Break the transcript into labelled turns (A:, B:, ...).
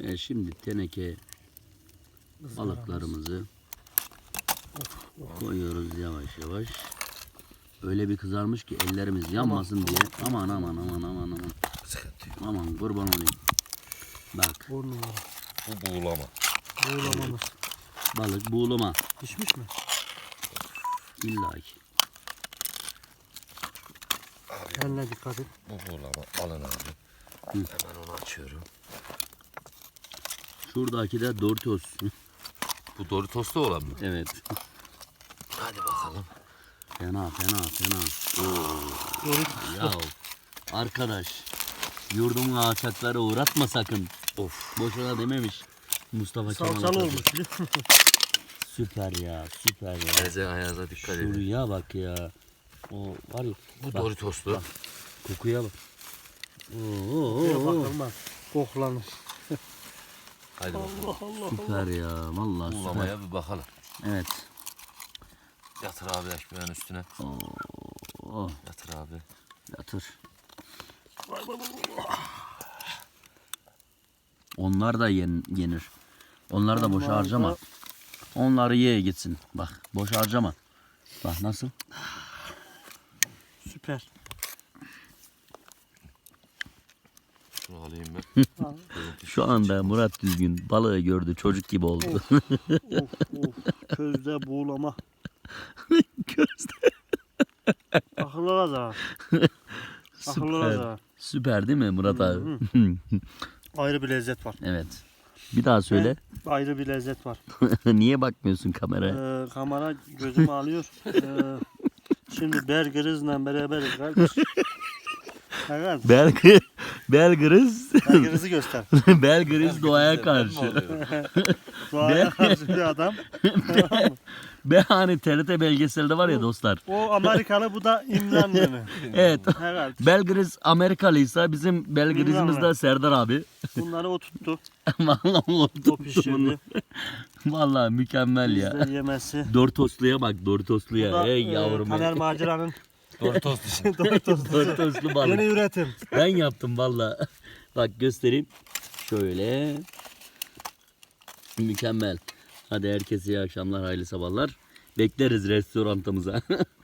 A: Şimdi teneke balıklarımızı koyuyoruz yavaş yavaş. Öyle bir kızarmış ki ellerimiz yanmasın diye. Aman aman aman aman aman. Aman kurban olayım. Bak.
B: Bu numara.
C: Bu buğulama.
B: Buğulamamız.
A: Balık buğulama.
B: Pişmiş mi?
A: İlla ki.
B: Eline dikkat et.
C: Bu buğulama. Alın abi. Hemen onu açıyorum.
A: Şuradaki de Doritos.
C: Bu Doritos'ta olan mı?
A: Evet.
C: Hadi bakalım.
A: Fena fena fena.
B: Doritos.
A: Ya arkadaş, yurdumun alçakları uğratma sakın.
C: Of.
A: Boşuna dememiş Mustafa Kemal
B: Salçalı
A: Atatürk.
B: olmuş biliyor musun?
A: Süper ya, süper ya.
C: Eze ayağına dikkat edin.
A: Şuraya bak ya. O var ya.
C: Bu
A: bak,
C: Doritos'lu.
A: kokuya bak.
B: Şöyle bakılmaz. Koklanır.
C: Hadi bakalım.
B: Allah Allah.
A: Süper ya, vallahi süper.
C: Buğulamaya bir bakalım.
A: Evet.
C: Yatır abi ekmeğin üstüne.
A: Oh,
C: Yatır abi.
A: yatır. Onlar da yenir. Onlar da boş
B: Onlar
A: harcama.
B: da-
A: Onları ye gitsin. Bak, boş harcama. Bak nasıl?
B: Süper.
C: Şunu alayım ben.
A: Şu anda Murat Düzgün balığı gördü, çocuk gibi oldu.
B: Of of. Közde buğulama.
A: Gözde.
B: Akıllara zarar. Akıllara
A: Süper.
B: zarar.
A: Süper değil mi Murat abi?
B: Ayrı bir lezzet var.
A: Evet. Bir daha söyle.
B: Ayrı bir lezzet var.
A: Niye bakmıyorsun kameraya?
B: Kamera gözümü alıyor. Şimdi Bergeriz'le beraberiz kardeş. Evet.
A: Belgriz
B: Bergeriz'i göster.
A: Belgriz doğaya karşı.
B: Doğaya karşı bir adam.
A: Hani TRT belgeselde var ya dostlar.
B: O Amerikalı, bu da İmranlı.
A: Evet.
B: Evet.
A: Belgriz Amerikalıysa bizim Belgriz'imiz de
B: Bilmem
A: Serdar abi.
B: Bunları o tuttu.
A: Vallahi o
B: O
A: tuttu bunu.
B: pişirdi.
A: Vallahi mükemmel ya.
B: Bizde yemesi.
A: Doritosluya bak,
B: Bu
A: Doritosluya.
B: da
A: Ey yavrum.
B: Taner Macera'nın
C: Doritos'lu.
A: Doritoslu balık.
B: yeni üretim.
A: Ben yaptım vallahi. Bak göstereyim. Şöyle. Mükemmel. Hadi herkese iyi akşamlar, hayırlı sabahlar. Bekleriz restorantımıza.